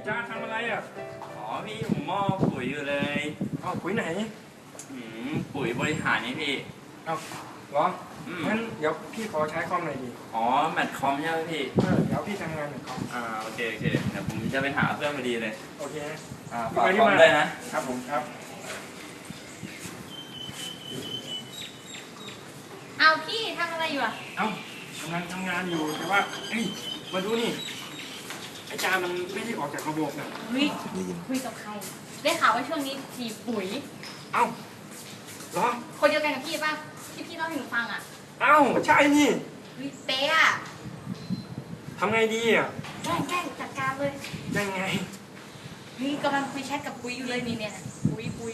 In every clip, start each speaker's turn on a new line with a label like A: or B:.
A: จ้าทำอะไรอ่ะ
B: อ๋อพี่ผมมอบปุ๋ยอยู่เลย
A: ปุ๋ยไหน
B: ปุ๋ยบริหารนี่พี่
A: เหรองั้นเดี๋ยวพี่ขอใช้คอมหน่อยดิ
B: อ๋อแมทคอมใช่ไหมพี่
A: เดี๋ยวพี่ทำงานแมทคอม
B: โอเคเดี๋ยวผมจะไปหาเพื่อนพอดีเลย
A: โอเค
B: ฝากคอมด้วยนะครับ
A: ผมครับ
C: เอาพี่ทำอะไรอยู่อ่ะ
A: กำลังทำงานอยู่แต่ว่ามาดูนี่ไอ้จามันไม่ได้ออกจากระบบน่ะ
C: คุยกับใครได้ข่าวว่าช่วงนี้ฉีดปุ๋ย
A: เหรอ
C: คนเดียวกันกับพี่ป่ะที่พี่เล่าให้หนูฟังอ่ะ
A: ใช่นี่
C: เป๊ะอ่ะ
A: ทำไงดีอ่ะ
C: แกล้งจัดการเลย
A: ยังไง
C: กำลังคุยแชทกับปุ๋ยอยู่เลยนี่เนี่ยปุ๋ย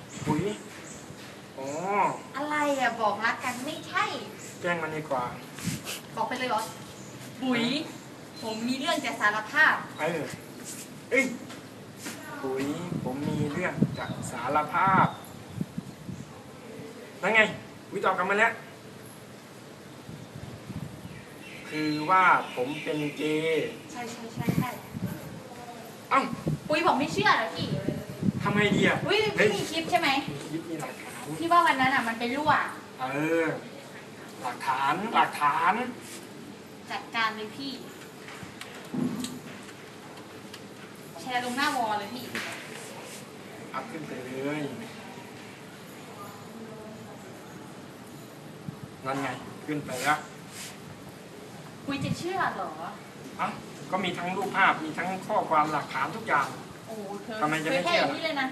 A: อ๋อ
C: อะไรอ่ะบอกรักกันไม่ใช่
A: แกล้งมันดีกว่า
C: บอกไปเลยเหรอปุ๋ยผมมีเรื่องจะสารภาพ
A: ปุ๋ยผมมีเรื่องจะสารภาพนั่นไงปุ๋ยตอบกลับมาแล้วคือว่าผมเป็นเกย์
C: ใช่
A: ปุ๋
C: ยบอกไม่เชื่อเหรอพี่
A: ทำไงดีอ่ะ
C: พี่มีคลิปใช่ไหม
A: คลิปมีหลักฐาน
C: ที่ว่าวันนั้นอ่ะมันไปรั่ว
A: หลักฐาน
C: จัดการเลยพี่แชร์ลงหน้าวอลเลยพี่
A: อัพขึ้นไปเลยนั่นไงขึ้นไปแล้ว
C: คุยจะเชื่อเหรอ
A: ก็มีทั้งรูปภาพมีทั้งข้อความหลักฐานทุกอย่าง
C: โอ้เธอ
A: ทำไมจะไม่เชื่อ
C: นี่เลยนะ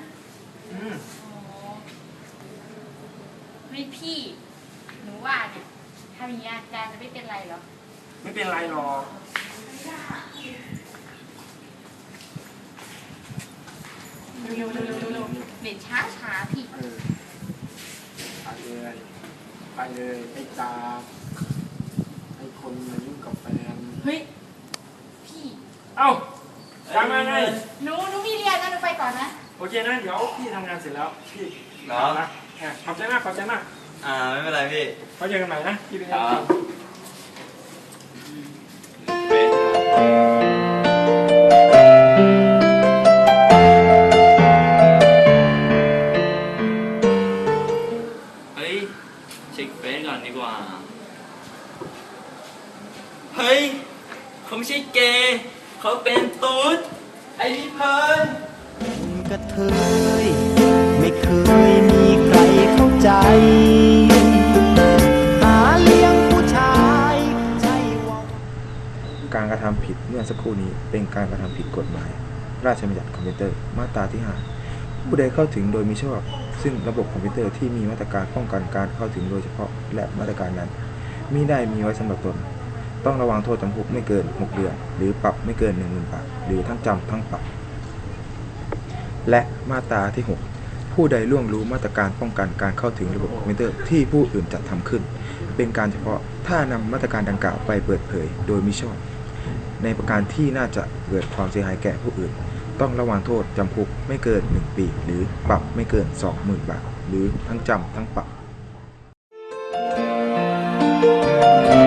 C: ไม่พี่หนูว่าเนี่ยทำอย่างนี้อาจารย์จะไม่เป็นไรหรอ
A: ไม่เป็นไรหรอก
C: เร็วเด็ดช้าพี่
A: ไปเลยไอ้ตาไอ้คนมายุ่งกับแฟน
C: เฮ้ยพี่
A: ยังไง
C: หนูมีเรียนนะหนูไปก่อนนะ
A: โอเคนะเดี๋ยวพี่ทำงานเสร็จแล้วพี่นะขอบใจมาก
B: ไม่เป็นไรพี่
A: เขาเจอกันใหม่นะพี่ไปงาน
B: เช็คเฟซก่อนดีกว่าเฮ้ยเขาไม่ใช่เกย์เขาเป็นตุ๊ดไอ้นี่เพิ่น
D: กระเทยไม่เคยมีใครเข้าใจหาเลี้ยงผู้ชายใช่ว่า
E: การกระทำผิดเมื่อสักครู่นี้เป็นการกระทำผิดกฎหมายราชบัญญัติคอมพิวเตอร์มาตราที่ 5 ผู้ใดเข้าถึงโดยมิชอบซึ่งระบบคอมพิวเตอร์ที่มีมาตรการป้องกันการเข้าถึงโดยเฉพาะและมาตรการนั้นมิได้มีไว้สำหรับตนต้องระวังโทษจำคุกไม่เกิน6 เดือนหรือปรับไม่เกิน 10,000 บาทหรือทั้งจำทั้งปรับและมาตราที่ 6 ผู้ใดล่วงรู้มาตรการป้องกันการเข้าถึงระบบคอมพิวเตอร์ที่ผู้อื่นจัดทำขึ้นเป็นการเฉพาะถ้านำมาตรการดังกล่าวไปเปิดเผยโดยมิชอบในประการที่น่าจะเกิดความเสียหายแก่ผู้อื่นต้องระวังโทษจำคุกไม่เกิน1 ปีหรือปรับไม่เกิน 20,000 บาทหรือทั้งจำทั้งปรับ